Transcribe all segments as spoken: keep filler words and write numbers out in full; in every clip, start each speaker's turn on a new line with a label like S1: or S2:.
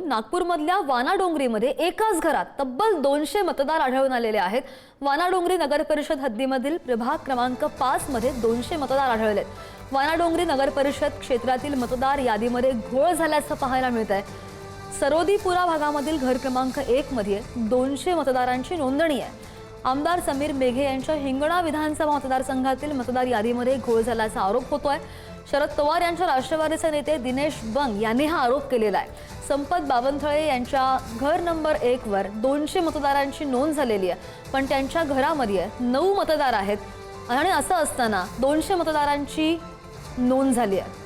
S1: नागपूरमधल्या वानाडोंगरीमध्ये एकाच घरात तब्बल दोनशे मतदार आढळून आलेले आहेत। वानाडोंगरी नगर परिषद हद्दीमधील प्रभाग क्रमांक पाच मध्ये दोनशे मतदार आढळलेत। वानाडोंगरी नगर परिषद क्षेत्रातील मतदार यादीमध्ये घोळ झाल्याचं पाहायला मिळत आहे। सरोदीपुरा भागामधील घर क्रमांक एक मध्ये दोनशे मतदारांची नोंदणी आहे। आमदार समीर मेघे यांच्या हिंगणा विधानसभा मतदारसंघातील मतदार यादीमध्ये घोळ झाल्याचा आरोप होतोय। शरद पवार यांच्या राष्ट्रवादीचे नेते दिनेश बंग यांनी हा आरोप केलेला आहे। संपत बावनथळे यांच्या घर नंबर एक वर दोनशे मतदारांची नोंद झालेली आहे, पण त्यांच्या घरामध्ये नऊ मतदार आहेत आणि असं असताना दोनशे मतदारांची नोंद झाली आहे।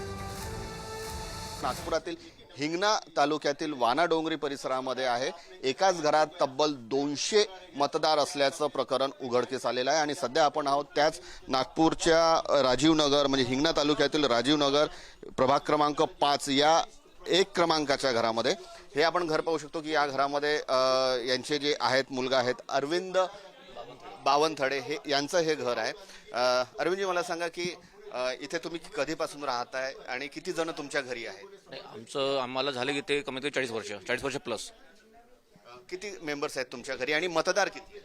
S2: नागपुरातील हिंगणा तालुक्यातील वानाडोंगरी परिसरामध्ये आहे। एकाच घरात तब्बल दोनशे मतदार असल्याचं प्रकरण उघडकीस आलेलं आहे आणि सध्या आपण आहोत त्याच नागपूरच्या राजीव नगर म्हणजे हिंगणा तालुक्यातील राजीव नगर प्रभाग क्रमांक पाच या एक क्रमांकाच्या घरामध्ये। हे आपण घर पाहू शकतो की या घरामध्ये यांचे जे आहेत मुलगा आहेत अरविंद बावनथळे हे यांचं हे घर आहे। अरविंदजी मला सांगा की इथे तुम्ही कधीपासून राहताय आणि किती जण तुमच्या घरी आहेत?
S3: आमचं आम्हाला झाले की ते कमीत कमी चाळीस वर्ष चाळीस वर्ष प्लस।
S2: किती मेंबर्स आहेत तुमच्या घरी आणि मतदार किती?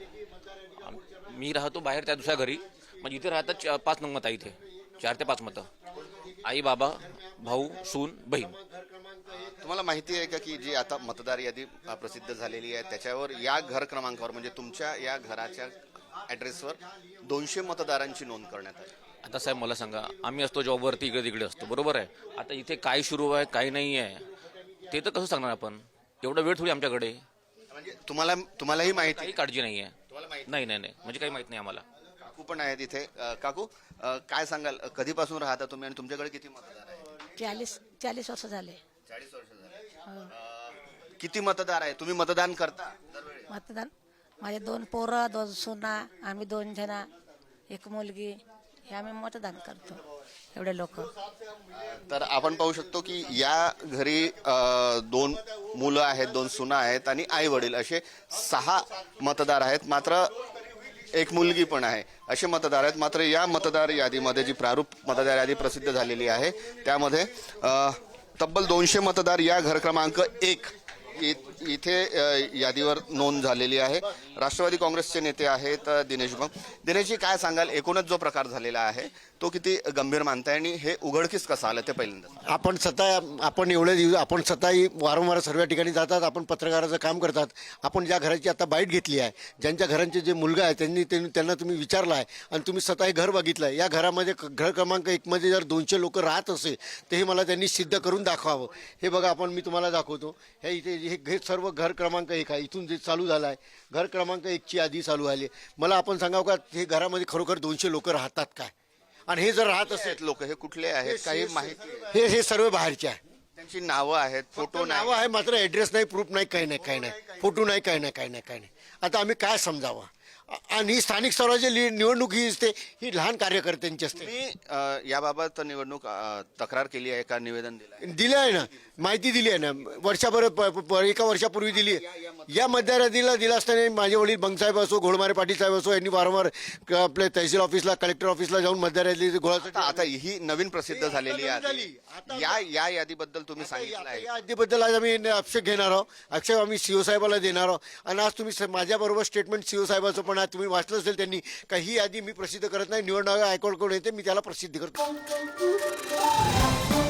S3: मी राहतो बाहेर त्या दुसऱ्या घरी, म्हणजे इथे राहतात पाच नंबर आहे, इथे चार ते पाच मतं, आई बाबा भाऊ सून बहीण।
S2: तुम्हाला माहिती आहे का की जी आता मतदार यादी प्रसिद्ध झालेली आहे त्याच्यावर या घर क्रमांकावर म्हणजे तुमच्या या घराच्या ॲड्रेसवर दोनशे मतदारांची नोंद करण्यात आली।
S3: आता साहेब मला सांगा, आम्ही असतो जॉबवरती इकडे तिकडे असतो, बरोबर आहे। आता इथे काय सुरू आहे काय नाही आहे ते तर कसं सांगणार आपण? एवढा वेळ थोडी आमच्याकडे।
S2: म्हणजे तुम्हाला तुम्हालाही माहिती
S3: काही काळजी नाही आहे? नाही नाही नाही म्हणजे काही माहित नाही आम्हाला।
S2: काकू पण आहेत इथे। काकू काय सांगाल, कधीपासून राहता तुम्ही आणि तुमच्याकडे किती मतदार आहेत?
S4: चाळीस चाळीस वर्ष झाले।
S2: चाळीस वर्ष झाले। किती मतदार आहे? तुम्ही मतदान करता दरवेळी?
S4: मतदान माझे दोन पोरं दोन सुना, आम्ही दोन जण, एक मुलगी, हे आम्ही मतदान करतो एवढे लोक।
S2: तर आपण पाहू शकतो की या घरी दोन मुलं आहेत, दोन सुना आहेत आणि आई वडील असे सहा मतदार आहेत, मात्र एक मुलगी पण आहे, असे मतदार आहेत। मात्र या मतदार यादीमध्ये जी प्रारूप मतदार यादी प्रसिद्ध झालेली आहे त्यामध्ये तब्बल दोनशे मतदार या घर क्रमांक एक इथे यादीवर नोंद झालेली आहे। राष्ट्रवादी काँग्रेसचे नेते आहेत दिनेश बंग। दिनेशजी काय सांगाल, एकूणच जो प्रकार झालेला आहे तो किती गंभीर मानताय आणि हे उघडकीस कसं आलं ते पहिल्यांदा?
S5: आपण स्वतः आपण एवढे दिवस आपण स्वतःही वारंवार सर्व ठिकाणी जातात, आपण पत्रकाराचं काम करतात। आपण ज्या घराची आता बाईट घेतली आहे, ज्यांच्या घरांचे जे मुलगा आहे त्यांनी त्यांना तुम्ही विचारला आहे आणि तुम्ही स्वतः हे घर बघितलं आहे। या घरामध्ये घर क्रमांक एकमध्ये जर दोनशे लोक राहत असेल तर हे मला त्यांनी सिद्ध करून दाखवावं। हे बघा आपण मी तुम्हाला दाखवतो, हे इथे हे हे सर्व घर क्रमांक एक आहे, इथून जे चालू झालं आहे घर क्रमांक एकची यादी चालू आली। मला आपण सांगावं का हे घरामध्ये खरोखर दोनशे लोक राहतात काय? आणि हे जर राहत असेल
S2: लोक हे कुठले आहेत काही माहिती?
S5: हे हे सर्व बाहेरचे आहे,
S2: त्यांची नावं आहेत, फोटो
S5: नावं आहे, मात्र ॲड्रेस नाही, प्रूफ नाही, काही नाही काही नाही, फोटो नाही, काही नाही काही नाही काही नाही। आता आम्ही काय समजावं? आणि स्थानिक स्वराज्य निवडणूक ही असते, ही लहान कार्यकर्त्यांची असते।
S2: मी याबाबत निवडणूक तक्रार केली आहे का, निवेदन दिलं
S5: दिलं आहे ना, माहिती दिली आहे ना, वर्षाभर एका वर्षापूर्वी दिली आहे। या मतदार यादीला दिला असताना माझे वडील बंगसाहेब असो, घोडमारे पाटील साहेब असो, यांनी वारंवार आपल्या तहसील ऑफिसला कलेक्टर ऑफिसला जाऊन मतदार यादी गोळा।
S2: आता ही नवीन प्रसिद्ध झालेली आहे, या या यादीबद्दल तुम्ही सांगितलं आहे?
S5: या यादीबद्दल आज आम्ही आक्षेप घेणार आहोत, आक्षेप आम्ही सीओ साहेबाला देणार आहोत। आणि आज तुम्ही माझ्याबरोबर स्टेटमेंट सीओ साहेबाचं पण तुम्ही वाचलं असेल त्यांनी, काही यादी मी प्रसिद्ध करत नाही, निवडणूक आयोगाकडून येते, मी त्याला प्रसिद्ध करतो।